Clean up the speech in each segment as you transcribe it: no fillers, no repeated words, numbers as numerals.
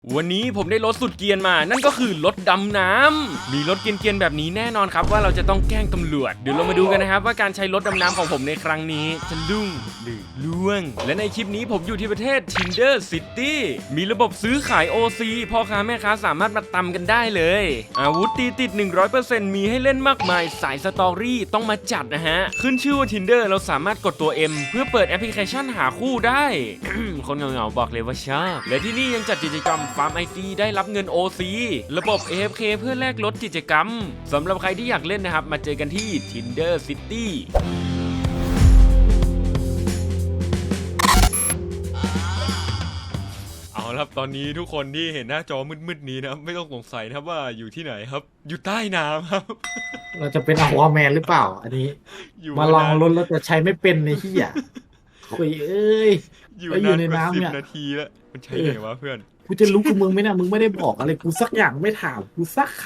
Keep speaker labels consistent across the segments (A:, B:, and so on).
A: วันนี้ผมได้รถสุดเกรียนมานั่นก็คือรถดำน้ำมีรถเกรียนๆแบบนี้แน่นอนครับว่าเราจะต้องแกล้งตำรวจเดี๋ยวเรามาดูกันนะครับว่าการใช้รถดำน้ำของผมในครั้งนี้จะลุ่งหรือล่วงและในคลิปนี้ผมอยู่ที่ประเทศ Tinder City มีระบบซื้อขาย OC พ่อค้าแม่ค้าสามารถมาตำกันได้เลยอาวุธตีติด 100% มีให้เล่นมากมายสายสตอรี่ต้องมาจัดนะฮะขึ้นชื่อว่า Tinder เราสามารถกดตัว M เพื่อเปิดแอปพลิเคชันหาคู่ได้ คนเหงาๆบอกเลยว่าชอบและที่นี่ยังจัดกิจกรรมฟาร์ม IC ได้รับเงิน OC ระบบ AFK เพื่อแลกลดกิจกรรมสำหรับใครที่อยากเล่นนะครับมาเจอกันที่ Tinder Cityเอาละครับตอนนี้ทุกคนที่เห็นหน้าจอมืดๆนี้นะครับไม่ต้องสงสัยนะครับว่าอยู่ที่ไหนครับอยู่ใต้น้ำครับ
B: เราจะเป็นอควาแมนหรือเปล่าอันนี้มาลองรถแล้วจะใช้ไม่เป็นในที่อ่ะคุยเอ้ย
A: อยู่ในน้ำเนี่ย10 นาทีแล้วมันใช่ไงวะเพื่อน
B: กูจะรู้กับมึงไหมนะมึงไม่ได้บอกอะไรกูสักอย่างไม่ถามกูสักค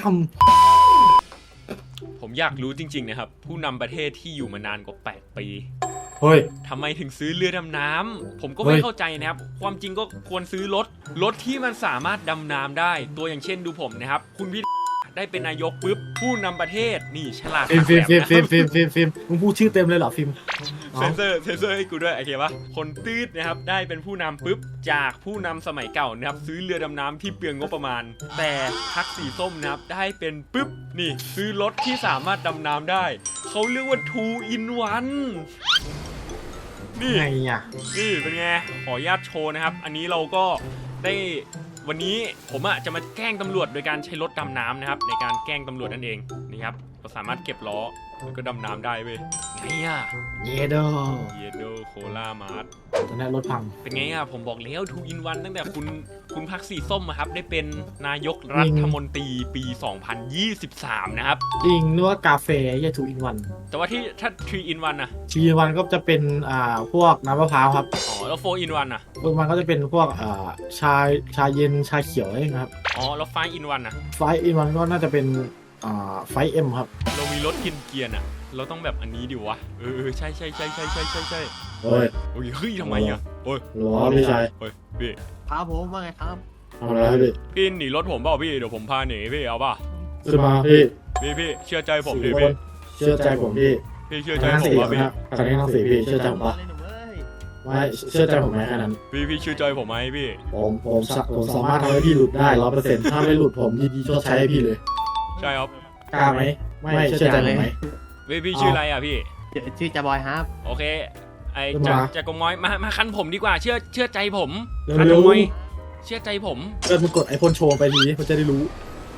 A: ำผมอยากรู้จริงๆนะครับผู้นำประเทศที่อยู่มานานกว่า8 ปี
B: เฮ้ย
A: ทำไมถึงซื้อเรือดำน้ำผมก็ไม่เข้าใจนะครับความจริงก็ควรซื้อรถที่มันสามารถดำน้ำได้ตัวอย่างเช่นดูผมนะครับคุณพี่ได้เป็นนายกปุ๊บผู้นำประเทศนี่ฉลาด
B: ฟิล์มมึงพูดชื่อเต็มเลยเหรอฟิล์ม
A: เซนเซอร์ให้กูด้วยโอเคปะคนตืดนะครับได้เป็นผู้นำปุ๊บจากผู้นำสมัยเก่านะครับซื้อเรือดำน้ำที่เปลืองงบประมาณแต่พรรคสีส้มนะครับได้เป็นปุ๊บนี่ซื้อรถที่สามารถดำน้ำได้เขาเรียกว่า 2 in 1นี่
B: ไงอ่ะ
A: นี่เป็นไงขออนุญาตโชว์นะครับอันนี้เราก็ได้วันนี้ผมจะมาแกล้งตำรวจโดยการใช้รถดำน้ำนะครับในการแกล้งตำรวจนั่นเองนี่ครับเราสามารถเก็บล้อแล้วก็ดำน้ำได้เว้ยไง
B: เยโด
A: โคลามาร์ท
B: ตอนนี้รถพัง
A: เป็นไงผมบอกแล้ว2 in 1ตั้งแต่คุณพรรคสีส้มครับได้เป็นนายกรัฐมนตรีปี 2023นะครับ
B: จริงนึกว่ากาแฟอย่า2 in 1
A: แต่ว่าถ้า3 in 1
B: 3 in 1ก็จะเป็นพวกน้ำมะพร้าวครับ
A: อ๋อแล้ว4 in 1
B: มันก็จะเป็นพวกชาเย็นชาเขียวอะไรครับ
A: อ๋อแล้ว5 in 1
B: 5 in 1ก็น่าจะเป็น5M ครับ
A: เรามีรถเกียร์เราต้องแบบอันนี้ดิวะใช่
B: เฮ้ย
A: ทำไมโอ้ย
B: หรอพี่ชาย
A: เฮ้ยพี่
C: พาผมว่าไงครับ
B: อะไร
A: พี่หนีรถผมเปล่าพี่เดี๋ยวผมพาหนีพี่เอาป่ะ
B: จะมาพี่
A: เชื่อใจผมดิพี่
B: เชื่อใจผมพี่
A: เชื่อใจผมป่ะพี่
B: คันนี้ต้องสีพี่เชื่อใจผมป่ะไม่เชื่อใจผมไหมแค่นั้น
A: พี่เชื่อใจผมไหมพี่
B: ผมสามารถทำให้พี่หลุดได้ 100% ถ้าไม่หลุดผมยินดีชดใช้ให้พี่เลย
A: ใช่ครับ
B: กล้าไหมไม่เชื่อใจผมไหม
A: พี่ชื่ออะไรพี่
C: ชื่อจ่าบอยครับ
A: โอเคไอจะกงม้อยมาคันผมดีกว่าเชื่อใจผม
B: คันกงม้อย
A: เชื่อใจผม
B: มึงกดไอพ่นโชว์ไปทีมันจะได้รู้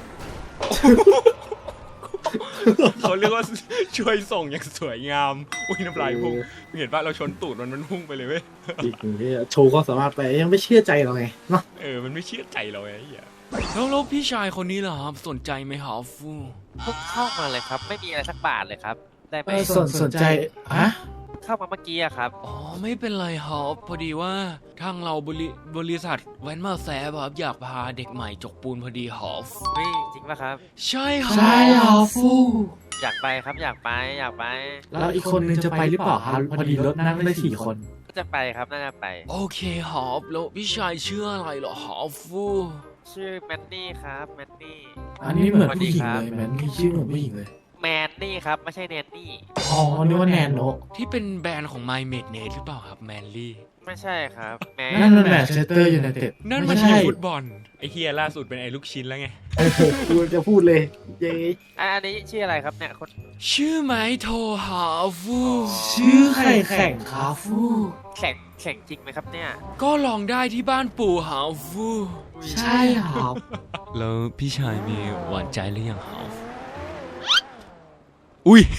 A: เขาเรียกว่าช่วยส่งอย่างสวยงามอุ้ยน้ำลายพุ่งเห็นป่ะเราชนตูดมันพุ่งไปเลยเว้ย
B: อีกหนึ่งที่โชว์ก็สามารถไปยังไม่เชื่อใจเราไงเนาะ
A: มันไม่เชื่อใจเราไงแล้วพี่ชายคนนี้ล่ะครับสนใจไหมครับฟู
C: เข้ามาเลยครับไม่มีอะไรสักบาทเลยครับได้ไหม
B: สนใจ
C: เข้ามาเมื่อกี้ครับ
A: อ๋อไม่เป็นไรครับพอดีว่าทางเราบริษัทแวนมาแซบครับอยากพาเด็กใหม่จกปูนพอดีฮอฟ
C: จริงป่ะครับ
A: ใช่ครับ
B: ใช่ครับฟู
C: อยากไปครับอยากไป
B: แล้วอีกคนนึงจะไปหรือเปล่าครับพอดีรถนั่งได้4 คน
C: จะไปครับน่าจะไป
A: โอเคฮอฟแล้วพี่ชายชื่ออะไรเหรอฮอฟฟู
C: ชื่อแมนนี่ครับแมนนี่
B: อันนี้เหมือนผู้หญิงเลยแมนนี่ชื่อเหมือนผู้หญิงเลย
C: แมนนี่ครับไม่ใช่แนนนี่
B: อ๋อนึกว่าแนนโน
A: ที่เป็นแบรนด์ของ My Made Net หรือเปล่าครับแมนลี่
C: ไม่ใช่ครับ
B: นั่นมันแมนเชสเตอร์ยูไนเต็ด
A: นั่นมันทีมฟุตบอลไอเฮียล่าสุดเป็นไอลูกชิ้นแล้วไง
B: กูจะพูดเลย
C: อันนี้ชื่ออะไรครับเนี่ยคน
A: ชื่อไมโทฮาฟู
B: ชื่อใครแข่งคาฟู
C: แข่งจริงไหมครับเนี่ย
A: ก็ลองได้ที่บ้านปู่ฮาฟู
B: ใช่ครับ
A: แล้วพี่ชายมีหวานใจหรือยังฮาฟูอุ้ย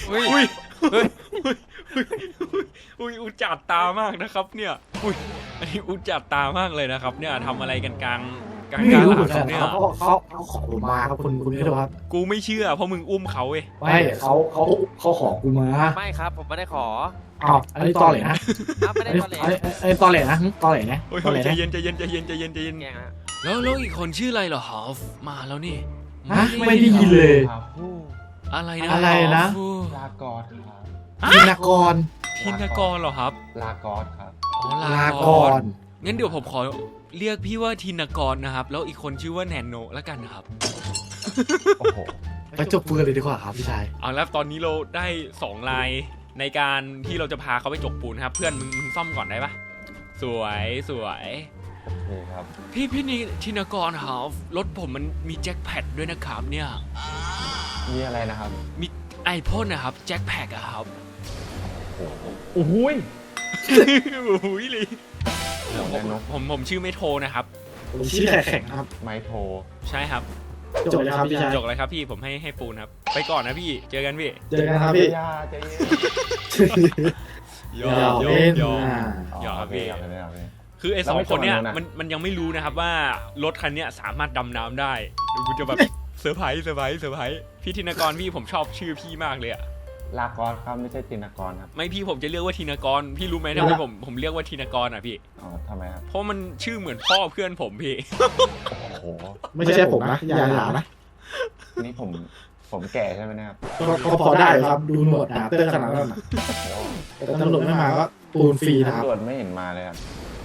A: อุจจาดตามากนะครับเนี่ยอันนี้อุจจาดตามากเลยนะครับเนี่ยทำอะไรกันกลางหลัง
B: เนี่ยเขาขอผมมาครับคุณนี่ครับ
A: กูไม่เชื่อเพราะมึงอุ้มเขาเว้ย
B: ไม่เขาขอกูมา
C: ไม่ครับผมไม่ได้ขอ
B: อันนี้ตอเหล่นะ
C: ไม่ได้ตอเหล่
B: ไอ้ตอเหล่นะตอเหล่นะ
A: ใจเย็นแล้วอีกคนชื่ออะไรเหรอฮอฟมาแล้วนี่
B: ไม่ได้ยินเลย
A: อะไรนะ
D: ลากรครับ
B: ทินากร
A: เหรอครับ
D: ลากรครับ
B: ลากร
A: งั้นเดี๋ยวผมขอเรียกพี่ว่าธินกรนะครับแล้วอีกคนชื่อว่าแนนโนแล้วกันนะครับ
D: โอ้โห
B: ไปจบปืนเลยดีกว่าครับพี่ชาย
A: เอาแล้วตอนนี้เราได้2ลายในการที่เราจะพาเขาไปจกปูนครับเพื่อนมึงซ่อมก่อนได้ปะสวยสวย
D: นี่ครับ
A: พี่นี่ธินกรครับรถผมมันมีแจ็คแพดด้วยนะครับเนี่ย
D: มีอะไรนะครับ
A: มีไอพ่นนะครับแจ็คแพดอะครับ
D: โอ้โห
A: โอ้โหเลย
D: เดี๋ยวแน่นก
A: ผมชื่อไม่โทรนะครับ
B: ผมชี้แข็งครับ
D: ไม้โทร
A: ใช่ครับ
B: จบเลยครับพี่ชาย
A: จกเลยครับพี่ผมให้ปูนครับไปก่อนนะพี่เจอกันพี่
B: เจอกันครับพี่
D: ยาใจเย็น
A: หย
B: อย่า
A: อก
B: เล่น
A: หยอก
B: นะ
A: หยอกครับพี่
D: หยอกเลยหยอกเลย
A: คือไอ้
D: แล้
A: ส
D: ว
A: อง
D: ไม่
A: คนเนี้ย
D: ชนกันนะ
A: มันยังไม่รู้นะครับว่ารถคันเนี้ยสามารถดำน้ำได้เดี๋ยวกูจะแบบ เซอร์ไพรส์พี่ธินกรพี่ผมชอบชื่อพี่มากเลยอะ
D: ลากรครับไม่ใช่ตินกรครับ
A: ไม่พี่ผมจะเรียกว่าธินกรพี่รู้ไหมทำไมผมเรียกว่าธินกรอ่ะพี่
D: อ๋อทำไมครับ
A: เพราะมันชื่อเหมือนพ่อเพื่อนผมพี่
D: โอ้โห
B: ไม่ใช่ผมนะอย่าหานะ
D: นี่ผมแก่ใช่ไหมเนะครับ
B: ก็พอได้ครับ ดูหนวดหนาเตอร์ขนาดนั้นนะแต่ตำรวจไม่มาก็ปูนฟรีนะครับ
D: ตำรวจไม่เห็นมาเลยครับ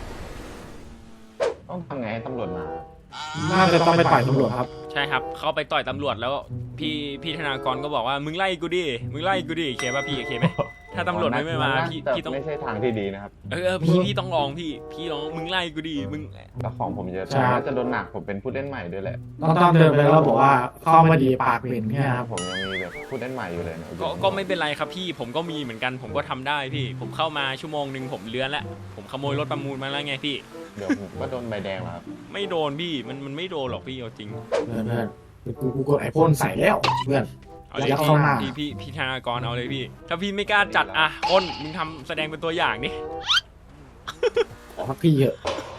D: ต้องทำไงให้ตำรวจมา
B: น่าจะต้องไปต่อยตำรวจครับ
A: ใช่ครับเขาไปต่อยตำรวจแล้วพี่ธนากรก็บอกว่ามึงไล่กูดิมึงไล่กูดิโอเคป่ะพี่โอเคไหมถ้าตำรวจไม่มาพี่ต้อง
D: ไม่ใช่ทางที่ดีนะครับ
A: พี่ต้องลองพี่ลองมึงไล่กูดิมึง
D: แต่ของผมเยอะ
B: ใช่
D: น่าจะโดนหนักผมเป็นผู้เล่นใหม่ด้วยแหละ
B: ต้องเดินไปแล้วบอกว่าเข้ามาดีปากเป็นเนี่ยครับ
D: ผมยังมีแบบผู้เล่นใหม่อยู่เลยนะ
A: ก็ไม่เป็นไรครับพี่ผมก็มีเหมือนกันผมก็ทำได้พี่ผมเข้ามาชั่วโมงหนึ่งผมเลื้อนแล้วผมขโมยรถประมูลมาแล้วไงพี่
D: เดี๋ยวผมก็โดนใบแดงแล้วครับ
A: ไม่โดนพี่มันไม่โดนหรอกพี่เอาจริง
B: เพื่อนกูกดไอพ่นใส่แล้วเพื่อน
A: เอาเลย
B: ยัดเข้าหน้า
A: พี่ธนากรเอาเลยพี่ ถ้าพี่ไม่กล้าจัดอ่ะคนมึงทำแสดงเป็นตัวอย่างนี่
B: ขอพักพี่เถอะ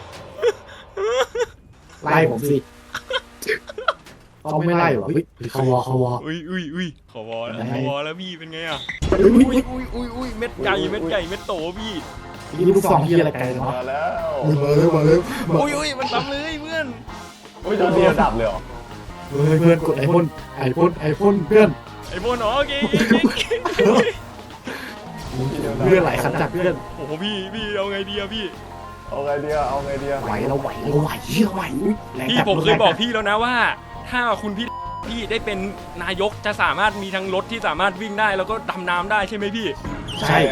B: ไล่ผมสิเขาไม่ไล่หรอเฮ้ยเขาวอ
A: อุ้ยขอวอแล้ว
B: ไหน
A: ขอวอแล้วพี่เป็นไงอ่ะ
B: อุ้ย
A: อุ้ยเม็ดใหญ่เม็ดโตพี่
B: นี่ลูกซองที่อะไรไกลเนาะ
D: มาแล้ว
B: มาเลย
A: อุ้ยมันทำเลยเพื่อน
D: อุ้ยโดนเดียวดับเลยเหรอ
B: เพื่อนกดไอพ่นเพื่อน
A: ไอ้โบนโอเค
B: เพื่อนไหลขันจัดเพื่อน
A: โอ้โหพี่เอาไงดีอะพี่
D: เอาไงเดียวเอาไงเดียว
B: ไหวแรง
A: พี่
B: จัด
A: ผมเคยบอกพี่แล้วนะว่า ถ้าคุณพี่ได้เป็นนายกจะสามารถมีทั้งรถที่สามารถวิ่งได้แล้วก็ดำน้ำได้ใช่ไหมพี่
B: ใช่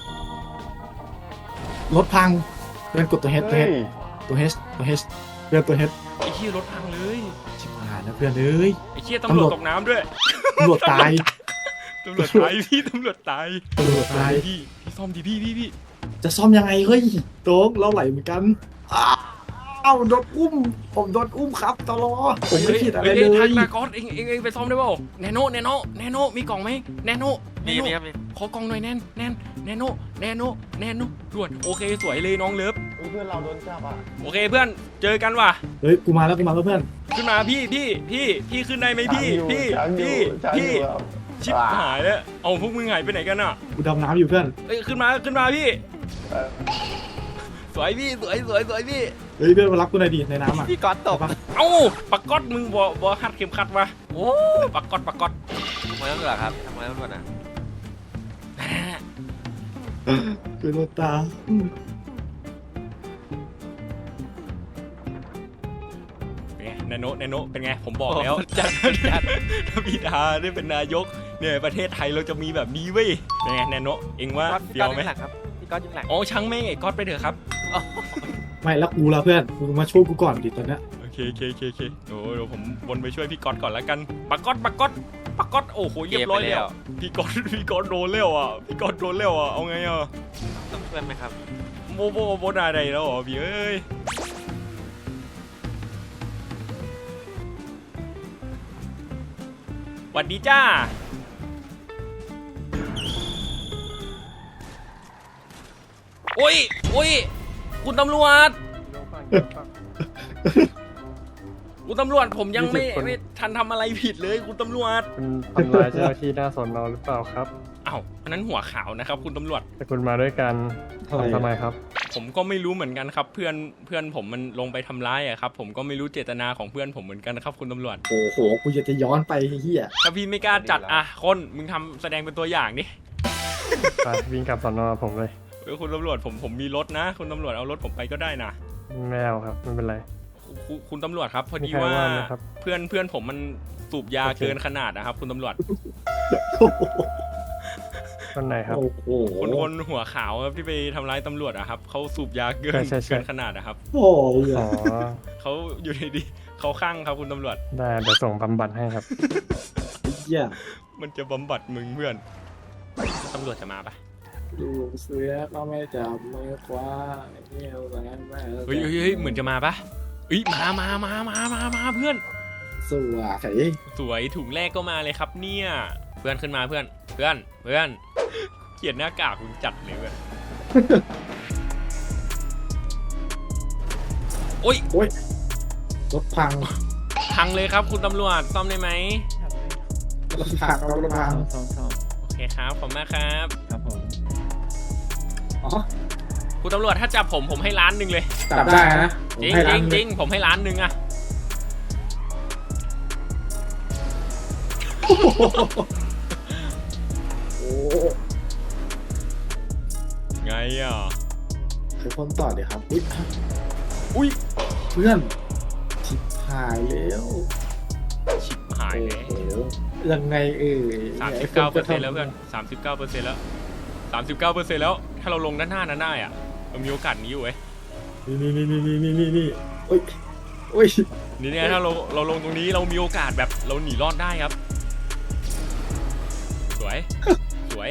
B: รถพังเพื่อนกดตัวเฮดเพื่อนตัวเฮด
A: ไอ้เหี้ยรถพังเลย
B: ชิบหายนะเพื่อนเอ้ย
A: ไอ้เหี้ยตำรวจตกน้ำด้วย
B: ตำรวจตาย
A: ตำรวจตายพี่ตำรวจตาย พี่ซ่อมดิพี่
B: จะซ่อมยังไงเฮ้ยโต๊กเราไหลเหมือนกันอ้าวโดนอุ้มผมโดนอุ้มครับตลอผมไม่ผิดอะไรเล
A: ทัก
B: ย
A: นากอนเองไปซ่อมได้เปล่าแนโนมีกล่องไหมแนโน
C: มีครับมี
A: ขอกล่องหน่อยแนโนด่วนโอเคสวยเลยน้องเลิฟ
D: เพื่อนเราโดนจับอ่ะ
A: โอเคเพื่อนเจอกันว่ะ
B: เฮ้ยกูมาแล้วเพื่อน
A: ขึ้นมาพี่ขึ้นได้ไหมพี่ชิบหายแล้วเอาพวกมึงหายไปไหนกันอ่ะ
B: กูดำน้ำอยู่เพื่อน
A: เอ้ยขึ้นมาพี่สวยพี่สวยพี่
B: เฮ้ยเพื่อนมารับกูหน่อยดิในน้ำอ่ะ
C: พี่ก๊อตตก
A: เอ้าปักก๊อตมึงบอหัดเข็มขัดวะโอ้ปักก๊อต
C: ทำไมต้องเหรอครับทำไมต้องเหรอนะ
B: คือโดนตา
A: เป็นไงแนโนเป็นไงผมบอกแล้วจัดถ้าพี่ดาได้เป็นนายกเนี่ยประเทศไทยเราจะมีแบบนี้เว้ยเป็นไงแนโนเองว่า
C: พี่
A: เดี
C: ก๊
A: ย
C: อ
A: ว
C: ต
A: ไหม
C: ยุ่งหลังครับพี่ก๊อตยุ่งหลัง
A: อ๋อช่างแม่งไอ้ก๊อตไปเถอะครับ
B: ไม่แล้วกูละเพื่อนมึงมาช่วยกูก่อนดิตอนเนี้ย
A: โอเคโอ้เดี๋ยวผมวนไปช่วยพี่ก๊อตก่อนแล้วกันปักก๊อตโอ้โหเรียบร้อยแล้วพี่ก๊อตโดนแล้วอ่ะเอาไงอ่ะ
C: ต้องช่วยไหมครับ
A: โบนาใดแล้วเหรอพี่เอ้ยหวัดดีจ้าโอ้ยคุณตำรวจผมยังไม่ทันทำอะไรผิดเลยคุณตำรวจ
E: คุณทำลายเจ้าหน้าที่หน้าสอนอหรือเปล่าครับ
A: อ้าวอันนั้นหัวขาวนะครับคุณตำรวจ
E: แต่คุณมาด้วยกันทำไมครับ
A: ผมก็ไม่รู้เหมือนกันครับเพื่อนผมมันลงไปทำร้ายอะครับผมก็ไม่รู้เจตนาของเพื่อนผมเหมือนกันนะครับคุณตำรวจ
B: โอ้โหกูจะย้อนไปเฮีย
A: ถ้าพี่ไม่กล้าจัดอ่ะคนมึงทำแสดงเป็นตัวอย่างดิ
E: ไปวิ่งกลับสอนอผมเลย
A: คุณตำรวจผมมีรถนะคุณตำรวจเอารถผมไปก็ได้นะ
E: ไม่เอาครับไม่เป็นไร
A: คุณตำรวจครับ พอดี
E: มีใคร
A: ว่า
E: ว่าไหมครับ
A: เพื่อนผมมันสูบยา
E: โอเค
A: เกินขนาดนะครับ คุณตำรวจ
E: คนไหนครับ
B: โอ้โห
A: คนหัวขาวครับที่ไปทำร้ายตำรวจอะครับเขาสูบยาเกิน
E: ใช่
A: เกินขนาดนะครับ
B: โอ้ย
E: อ๋อ
A: เขาอยู่ดีๆเขาข้างครับคุณตำรวจ
E: ได้เดี๋ยวส่งบำบัดให้ครับ
B: เหี้ย
A: มันจะบำบัดมึงเพื่อนตำรวจจะมาปะ
B: ลูกเสือก็ไม่จับมือคว้าเงี้ยวแสนแม่
A: เฮ้ยเหมือนจะมาปะเฮ้ยมาเพื่อน
B: สวย
A: สวยถุงแรกก็มาเลยครับเนี่ย เพื่อนขึ้นมาเพื่อนเกลียดหน้ากากคุณจัดเลยเพื่อน โอ้ย
B: โอ้ยรถพัง
A: พังเลยครับคุณตำรวจซ่อมได้ไหม
B: รถพังรถพัง
A: โอเคครับขอบคุณมากครับ
C: ครับผม
B: อ๋อ
A: คุณตำรวจถ้าจับผมให้ล้านหนึ่งเลย
B: จับได้นะ
A: จริง
B: ให้
A: จ
B: ร้า
A: ริ
B: น
A: ง
B: ห
A: จ
B: นึ่
A: ริงผมให้ล้านหนึ่งอะ
B: โอ้
A: ไงอ่ะ
B: คือคนต่อเดี๋ยวครับ
A: อุ้ย
B: เพื่อนชิบหายแล้ว
A: ชิบหายเลย
B: โอ้โหยังไง
A: 39%แล้วเพื่อน39%แล้ว39%แล้ว ถ้าเราลงด้านหน้านั้นได้อะเรามีโอกาสนี้อยู่เว้ย
B: นี่โอ้ยโอ้ย
A: นี่เนี่ยถ้าเราลงตรงนี้เรามีโอกาสแบบเราหนีรอดได้ครับ สวย สวย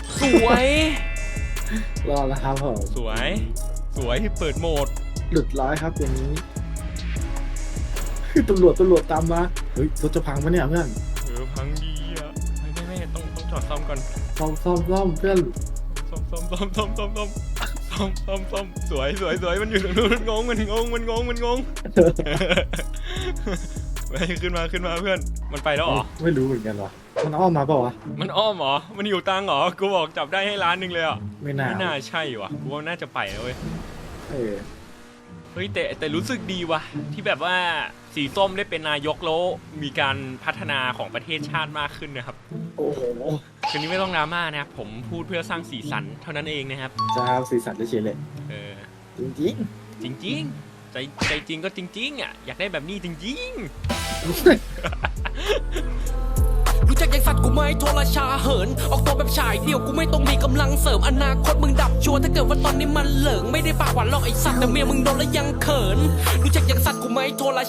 B: รอแล้วครับผม
A: สวยที่เปิดโหมด
B: หลุดร้อยครับอย่างนี้คือตำรวจตามมาเฮ้ยรถจะพังปะเนี่ยเพื่อน
A: พังดีอ่ะไม่ต้องจอดซ่อมก่อน
B: ซ่อมเพื่อน
A: ซ่อมสวยมันอยู่ตรงนู้นมันงง ไปขึ้นมาเพื่อนมันไปแล้วเหรอ
B: ไม่รู้เหมือนกันวะมันอ้อมมาเปล่าวะ
A: มันอ้อมเหรอมันอยู่ตังเหรอกูบอกจับได้ให้ล้านหนึ่งเลยอ่ะ
B: ไม่น่า
A: ไม่น่าใช่ว่ะกูว่าน่าจะไปแล้วเว้ย
B: เออ
A: เฮ้ยแต่รู้สึกดีว่ะที่แบบว่าสีส้มได้เป็นนายกแล้วมีการพัฒนาของประเทศชาติมากขึ้นนะครับ
B: โอ้โห
A: คืนนี้ไม่ต้องดราม่านะครับผมพูดเพื่อสร้างสีสันเท่านั้นเองนะครับ
B: จะเอาสีสันจะเฉยเลย
A: เออ
B: จริง
A: จริงใจจริงก็จริงอ่ะอยากได้แบบนี้จริง
F: รู้จักยังสัตว์กูไหมโทรชาเหิน ออกตัวแบบฉายเดียวกูไม่ต้องมีกำลังเสริมอนาคตมึงดับชัวร์ถ้าเกิดว่าตอนนี้มันเหลิงไม่ได้ปากหวานหรอกไอสัตว์แต่เมียมึงโดนแล้วยังเขิน รู้จักยังสัตว์กูไหมโทร